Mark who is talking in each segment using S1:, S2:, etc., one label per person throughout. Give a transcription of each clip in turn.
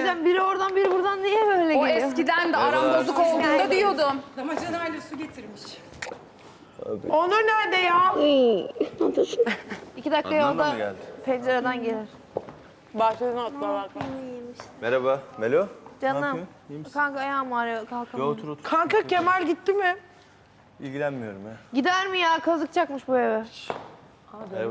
S1: söyleyeceğim. Biri oradan biri buradan niye böyle
S2: O
S1: geliyor?
S2: eskiden de aram bozuk olduğunda diyordum.
S3: Damacanayla su getirmiş.
S4: Onur nerede ya?
S1: 2 dakika
S5: Adnan da
S1: yolda
S5: mı geldi?
S1: pencereden gelir.
S4: Bahçeden atlar.
S5: Merhaba, Melo. Ne
S1: Canım.
S5: yapıyorsun? İyi misin?
S1: Kanka ayağım ağrıyor
S5: Yo,
S1: kalkamam.
S5: otur otur.
S4: Kanka Kemal gitti mi?
S5: İlgilenmiyorum ya.
S1: Gider mi ya? Kazıkacakmış bu eve.
S5: Merhaba.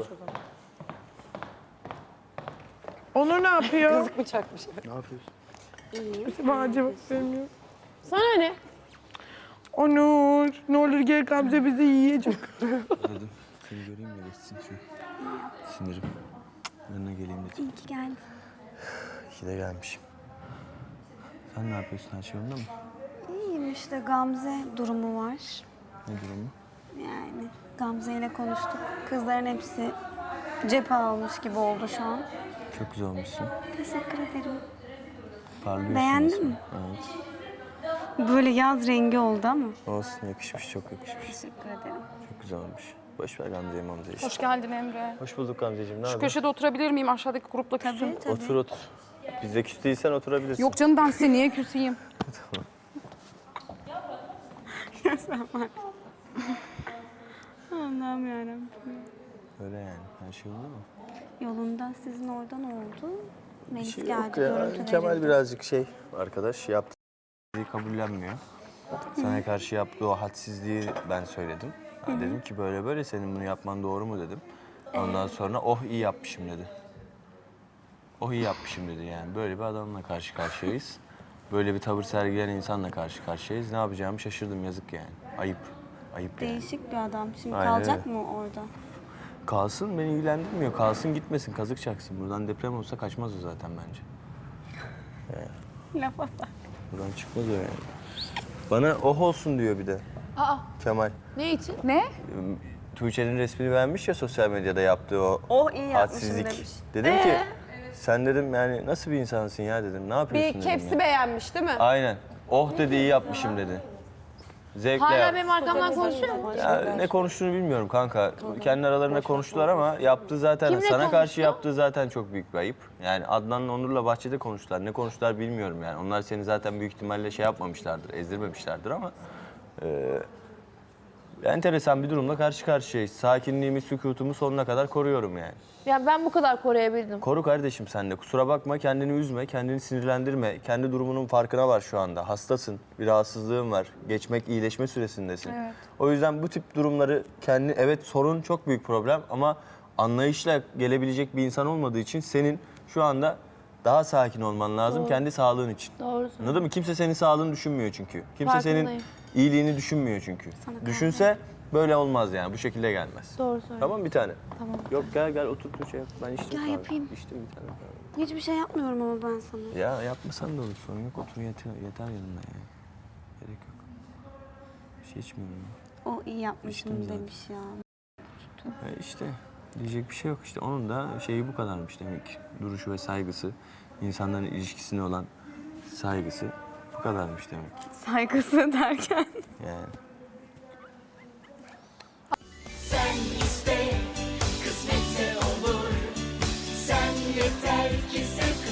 S4: Onur ne yapıyor?
S3: Kızık bıçakmış.
S5: Ne yapıyorsun?
S4: Bahçe bak sevmiyor.
S1: Sana ne?
S4: Onur ne olur gel Gamze bizi yiyecek.
S5: Dedim, seni göreyim de geçsin şu sinirim. Yanına geleyim dedim.
S6: İyi ki geldin.
S5: İyi ki de gelmişim. Sen ne yapıyorsun? Her şey yolunda mı?
S6: İyiyim işte Gamze durumu var.
S5: Ne durumu?
S6: Yani Gamze ile konuştuk. Kızların hepsi cephe almış gibi oldu şu an.
S5: Çok güzel olmuşsun.
S6: Teşekkür ederim.
S5: Parlıyorsun.
S6: Beğendin
S5: resmen.
S6: mi?
S5: Evet.
S6: Böyle yaz rengi oldu ama.
S5: Olsun, yakışmış, çok yakışmış.
S6: Teşekkür ederim.
S5: Çok güzel olmuş. Boş ver Gamze'yi mamzeyi işte.
S2: Hoş geldin Emre.
S5: Hoş bulduk Gamzeciğim, ne
S2: Şu
S5: haber?
S2: köşede oturabilir miyim? Aşağıdaki grupla küsüm.
S6: Tabii.
S5: Otur otur. Bizde küs değilsen oturabilirsin.
S2: Yok canım ben size niye küseyim?
S6: Allah'ım yarabbim.
S5: Öyle yani. Her şey yolunda mı?
S6: Yolunda sizin oradan oldu. Melis
S5: Şey
S6: geldi,
S5: yok ya.
S6: görüntü
S5: Kemal
S6: verildi.
S5: birazcık arkadaş yaptığı kabullenmiyor. Sana karşı yaptığı o hadsizliği ben söyledim. Dedim ki böyle böyle senin bunu yapman doğru mu dedim. Ondan sonra oh iyi yapmışım dedi. Oh iyi yapmışım dedi yani. Böyle bir adamla karşı karşıyayız. Böyle bir tavır sergileyen insanla karşı karşıyayız. Ne yapacağımı şaşırdım, yazık yani. Ayıp. Ayıp yani.
S6: Değişik bir adam. Şimdi
S5: Aynen
S6: kalacak
S5: öyle.
S6: mı orada?
S5: Kalsın, beni ilgilendirmiyor. Kalsın, gitmesin, kazık çaksın. Buradan deprem olsa kaçmaz o zaten bence.
S6: Lafa bak.
S5: Buradan çıkmaz o yani. Bana oh olsun diyor bir de
S1: Aa
S5: Kemal.
S1: ne için?
S2: Ne?
S5: Tuğçe'nin resmini beğenmiş ya sosyal medyada yaptığı o
S6: Oh iyi yapmışım
S5: hadsizlik.
S6: demiş.
S5: Dedim ki sen dedim yani nasıl bir insansın ya dedim. Ne yapıyorsun
S3: Bir
S5: dedim
S3: kepsi
S5: ya.
S3: beğenmiş değil mi?
S5: Aynen. Oh dedi, iyi yapmışım dedi. Zevkle
S1: Hala
S5: yap.
S1: benim arkamdan konuşuyor mu?
S5: Ya, ne konuştuğunu bilmiyorum kanka. Kendi aralarında konuştular ama yaptığı zaten
S1: Kimle
S5: sana karşı
S1: konuştu?
S5: yaptığı zaten çok büyük bir ayıp. Yani Adnan'la Onur'la bahçede konuştular. Ne konuştular bilmiyorum yani. Onlar seni zaten büyük ihtimalle şey yapmamışlardır, ezdirmemişlerdir ama enteresan bir durumla karşı karşıyayız. Sakinliğimi, sükutumu sonuna kadar koruyorum yani.
S1: Ya ben bu kadar koruyabildim.
S5: Koru kardeşim sen de. Kusura bakma, kendini üzme, kendini sinirlendirme. Kendi durumunun farkına var şu anda. Hastasın, bir rahatsızlığın var. Geçmek, iyileşme süresindesin.
S2: Evet.
S5: O yüzden bu tip durumları kendi, evet sorun çok büyük problem ama anlayışla gelebilecek bir insan olmadığı için senin şu anda daha sakin olman lazım kendi sağlığın için.
S1: Doğru.
S5: Anladın mı? Kimse senin sağlığını düşünmüyor çünkü. Kimse senin
S1: Farkındayım.
S5: iyiliğini düşünmüyor çünkü. Düşünse böyle olmaz yani. Bu şekilde gelmez.
S1: Doğru söylüyorsun.
S5: Tamam bir tane.
S1: Tamam.
S5: Yok gel otur Tuğçe yap. Ben içtim
S6: Gel
S5: kahve.
S6: yapayım.
S5: İçtim bir tane kahve.
S6: Hiçbir şey yapmıyorum ama ben sana.
S5: Ya yapmasan da olur, sorun yok. Otur yeter yanımda ya. Gerek yok. Bir şey içmiyorum ya.
S6: O iyi yapmışım
S5: İçtim zaten.
S6: demiş ya.
S5: İşte diyecek bir şey yok işte. Onun da şeyi bu kadarmış demek ki. Duruşu ve saygısı, insanların ilişkisine olan saygısı bu kadarmış demek ki.
S6: Saygısı derken.
S5: Yani.
S7: Sen iste, kısmetse olur. Sen yeter ki sev.